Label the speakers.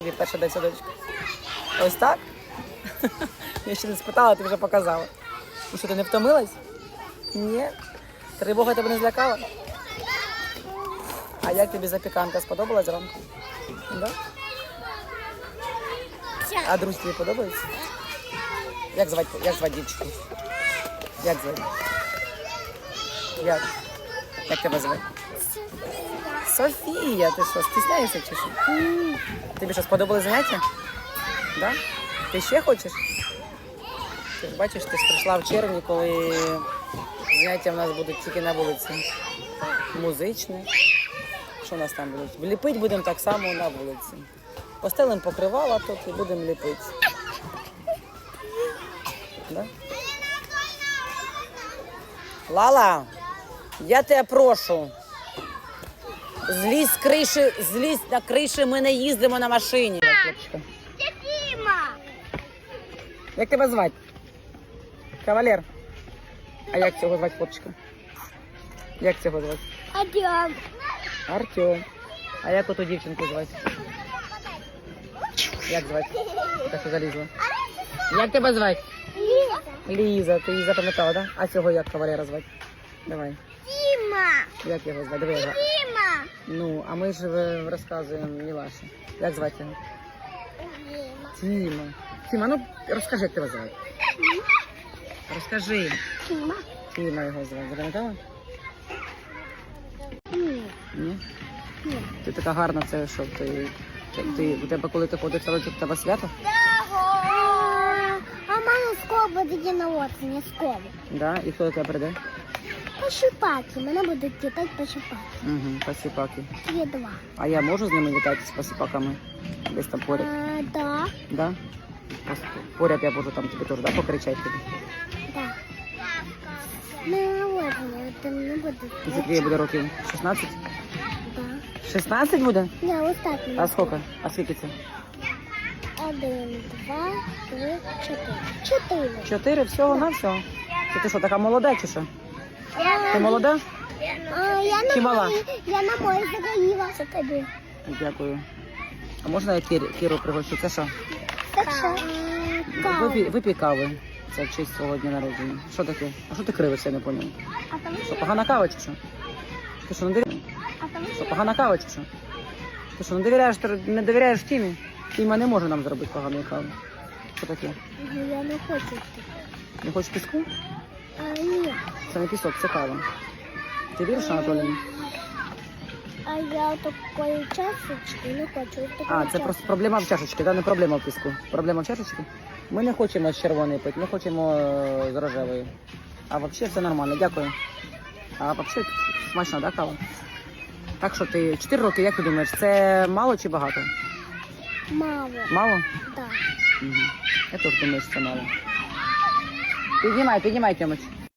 Speaker 1: Перша день садочку. Ось так? Я ще не спитала, ти вже показала. Ну що, ти не втомилась? Ні. Тривога тебе не злякала? А як тобі запіканка? Сподобалась зранку? Да? А друзі тобі подобається? Як звати дівчинку? Як звати? Як тебе звати? Софія, ти що, стісняєшся чи що? Тобі що, сподобали заняття? Да? Ти ще хочеш? Ти ж бачиш, ти ж прийшла в червні, коли заняття в нас будуть тільки на вулиці. Музичне. Що у нас там будуть? Ліпити будемо так само на вулиці. Постелимо покривала тут і будемо ліпити. Да? Лала, я тебе прошу. Злізь з криші, злізь на криші, ми не їздимо на машині.
Speaker 2: Діма!
Speaker 1: Як тебе звати? Кавалер. А як цього звати хлопчика? Як цього звати?
Speaker 2: Артем.
Speaker 1: Артем. А як оту дівчинку звати? Як звати? Так що залізла. Як тебе звати? Ліза. Ти її запам'ятала, так? Да? А цього як кавалера звати? Давай.
Speaker 2: Діма!
Speaker 1: Як його звати? Диви його.
Speaker 2: Діма!
Speaker 1: Ну, а ми ж розказуємо Мілаші. Як звати його? Тіма. Тіма, ну розкажи, як тебе звати. Розкажи.
Speaker 2: Діма?
Speaker 1: Тіма його звати. Запам'ятала?
Speaker 2: Ні.
Speaker 1: Ні?
Speaker 2: Ні.
Speaker 1: Ти така гарна, це що? У тебе, коли ти ходиш в садочок, у тебе свято?
Speaker 2: А в мене скоро буде день народження, скоро.
Speaker 1: Да? І хто до тебе прийде?
Speaker 2: Пошипаки, мене будуть кидати пошипаки.
Speaker 1: Угу, посіпаки.
Speaker 2: Є два.
Speaker 1: А я можу з ними літати, з посіпаками? Десь там поряд?
Speaker 2: Да.
Speaker 1: Да? Поряд я можу там тобі теж, да, покричати тобі?
Speaker 2: Да. Мене народження, там не буде.
Speaker 1: І скільки буде років? 16?
Speaker 2: Да.
Speaker 1: 16 буде?
Speaker 2: Я ось так.
Speaker 1: А скільки? А скільки це?
Speaker 2: 1, 2, 3, 4. 4.
Speaker 1: 4 всього на всього? Це ти що, така молода чи що? Ти молода? Чи мала?
Speaker 2: Я на морі загоріла. Це тобі.
Speaker 1: Дякую. А можна я Кіру пригощу? Це що?
Speaker 2: Так що?
Speaker 1: Випій кави. Це в честь свого дня народження. Що таке? А що ти кривишся, я не поняла?
Speaker 2: А там
Speaker 1: Що, погана кава чи що? Ти що, не довіряєш? Що, погана кава чи що? Ти що, не довіряєш Тімі? Тіма не може нам зробити поганої кави. Що таке?
Speaker 2: Я не хочу.
Speaker 1: Не хочеш піску?
Speaker 2: Ні.
Speaker 1: Це не пісок, це кава. Ти віриш, Анатолій?
Speaker 2: А я такої чашечки не хочу.
Speaker 1: А, це просто проблема в чашечці, да? Не проблема в піску. Проблема в чашечці? Ми не хочемо з червоної пити, ми хочемо з рожевої. А взагалі все нормально, дякую. А взагалі смачно, да, кава? Так що ти 4 роки, як ти думаєш, це мало чи багато?
Speaker 2: Мало.
Speaker 1: Мало?
Speaker 2: Так.
Speaker 1: Угу. Я теж думаю, що це мало. Піднімай, Тьомич.